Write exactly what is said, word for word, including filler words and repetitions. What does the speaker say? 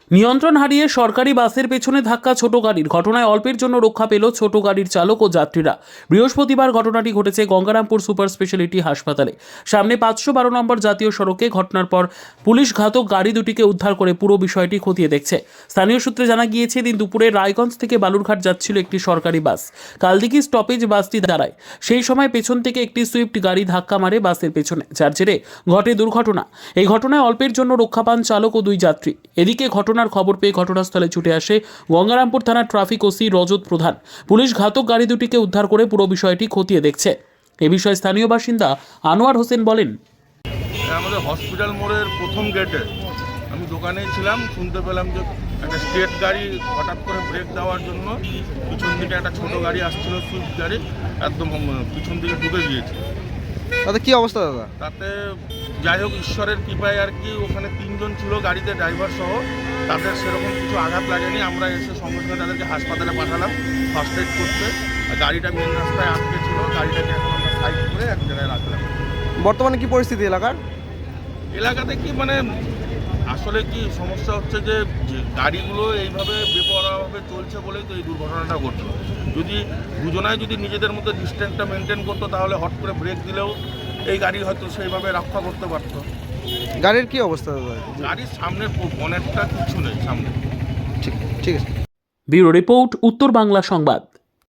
নিয়ন্ত্রণ হারিয়ে সরকারি বাসের পেছনে ধাক্কা ছোট গাড়ির ঘটনায় অল্পের জন্য রক্ষা পেল ছোট গাড়ির চালক ও যাত্রীরা। বৃহস্পতিবার ঘটনাটি ঘটেছে গঙ্গারামপুর সুপার স্পেশালিটি হাসপাতালে। সামনে পাঁচশো বারো নম্বর জাতীয় সড়কে ঘটনার পর পুলিশ ঘাতক গাড়ি দুটিকে উদ্ধার করে পুরো বিষয়টি খতিয়ে দেখছে। স্থানীয় সূত্রে জানা গিয়েছে, দিন দুপুরে রায়গঞ্জ থেকে বালুরঘাট যাচ্ছিল একটি সরকারি বাস। কালদিঘি স্টপেজ বাসটি দাঁড়ায়। সেই সময় পেছন থেকে একটি সুইফট গাড়ি ধাক্কা মারে বাসের পেছনে, যার জেরে ঘটে দুর্ঘটনা। এই ঘটনায় অল্পের জন্য রক্ষা পান চালক ও দুই যাত্রী। এদিকে ঘটনার খবর পেয়ে ঘটনাস্থলে ছুটে আসে গঙ্গারামপুর থানার ট্রাফিক ওসি রজত প্রধান। পুলিশ ঘাতক গাড়ি দুটিকে উদ্ধার করে পুরো বিষয়টি খতিয়ে দেখছে। এ বিষয়ে স্থানীয় বাসিন্দা আনোয়ার হোসেন বলেন, আমাদের হসপিটাল মোড়ের প্রথম গেটে আমি দোকানে ছিলাম, শুনতে পেলাম যে একটা স্টেট গাড়ি হঠাৎ করে ব্রেক দেওয়ার জন্য পিছন দিকে একটা ছোট গাড়ি আসছিল, সুইফট গাড়ি, একদম পিছন দিকে ঢুকে গিয়েছে। তাতে কি অবস্থা দাদা? তাতে যাই হোক, ঈশ্বরের কৃপায় আর কি, ওখানে তিনজন ছিল গাড়িতে, ড্রাইভার সহ। তাদের সেরকম কিছু আঘাত লাগেনি। আমরা এসে সঙ্গে সঙ্গে তাদেরকে হাসপাতালে পাঠালাম ফার্স্ট এড করতে। আর গাড়িটা মেন রাস্তায় আটকে ছিল, গাড়িটাকে এখন আমরা সাইড করে এক জায়গায় রাখলাম। বর্তমানে কি পরিস্থিতি এলাকার? এলাকাতে কি মানে আসলে কি সমস্যা হচ্ছে যে যে গাড়িগুলো এইভাবে বেপরোয়াভাবে চলছে বলেই তো এই দুর্ঘটনাটা ঘটলো। যদি দুজনায় যদি নিজেদের মধ্যে ডিস্টেন্সটা মেনটেন করতো, তাহলে হট করে ব্রেক দিলেও এই গাড়ি হয়তো সেইভাবে রক্ষা করতে পারতো। গাড়ির কি অবস্থা দাদা? গাড়ির সামনের বনেটটা কিছু নেই সামনে। ঠিক ঠিক আছে। ব্যুরো রিপোর্ট, উত্তর বাংলা সংবাদ।